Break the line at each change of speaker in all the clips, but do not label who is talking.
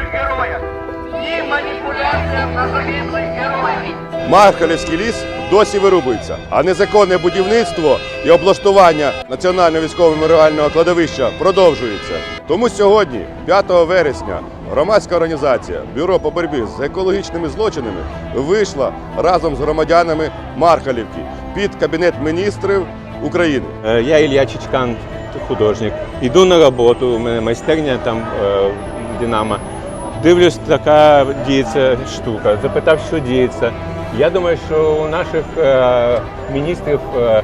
загиблих героях. Ні маніпуляціям на загиблих героях.
Мархалівський ліс досі вирубується, а незаконне будівництво і облаштування Національного військового меморіального кладовища продовжується. Тому сьогодні, 5 вересня, громадська організація Бюро по боротьбі з екологічними злочинами вийшла разом з громадянами Мархалівки під Кабінет міністрів України.
Я Ілля Чичкан, художник. Іду на роботу, у мене майстерня там Динамо. Дивлюсь, така діється штука. Запитав, що діється. Я думаю, що у наших міністрів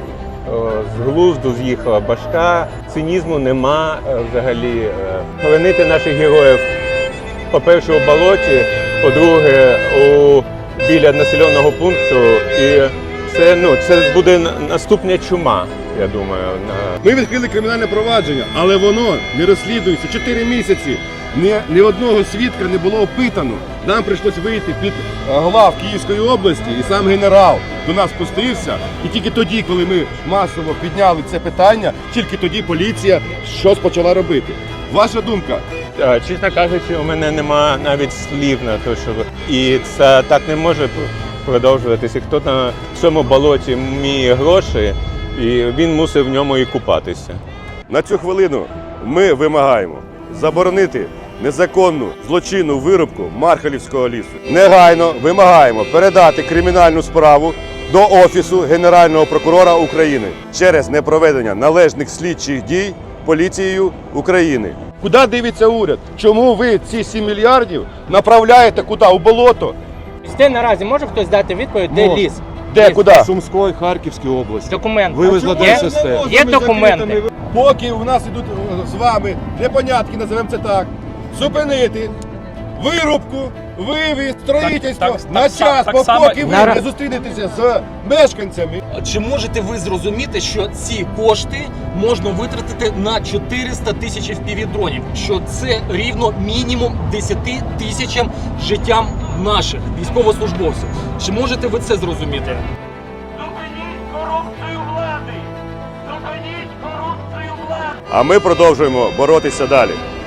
з глузду з'їхала башка, цинізму нема взагалі. Хоронити наших героїв, по-перше, у болоті, по-друге, біля населеного пункту. І це буде наступна чума, я думаю.
Ми відкрили кримінальне провадження, але воно не розслідується 4 місяці. Ні одного свідка не було опитано. Нам прийшлось вийти під глав Київської області, і сам генерал до нас спустився. І тільки тоді, коли ми масово підняли це питання, тільки тоді поліція щось почала робити. Ваша думка?
Чесно кажучи, у мене нема навіть слів на те, що і це так не може продовжуватися. Хто на цьому болоті має гроші, і він мусив в ньому і купатися.
На цю хвилину ми вимагаємо заборонити незаконну злочинну вирубку Мархалівського лісу. Негайно вимагаємо передати кримінальну справу до Офісу Генерального прокурора України через непроведення належних слідчих дій поліцією України. Куди дивиться уряд? Чому ви ці 7 мільярдів направляєте куди? У болото?
Де наразі може хтось дати відповідь, де ліс?
Де,
Ліс.
куди?
Сумської, Харківської області.
Документи.
Вивезли
Є?
ДССТ.
Є документи.
Поки у нас ідуть з вами непонятки, називаємо це так, зупинити вирубку, вивіз, строїтельство на час, поки ви не зустрінетеся з мешканцями.
Чи можете ви зрозуміти, що ці кошти можна витратити на 400 тисяч FPV-дронів? Що це рівно мінімум 10 тисячам життям наших військовослужбовців? Чи можете ви це зрозуміти?
Зупиніть корупцію влади! Зупиніть корупцію влади!
А ми продовжуємо боротися далі.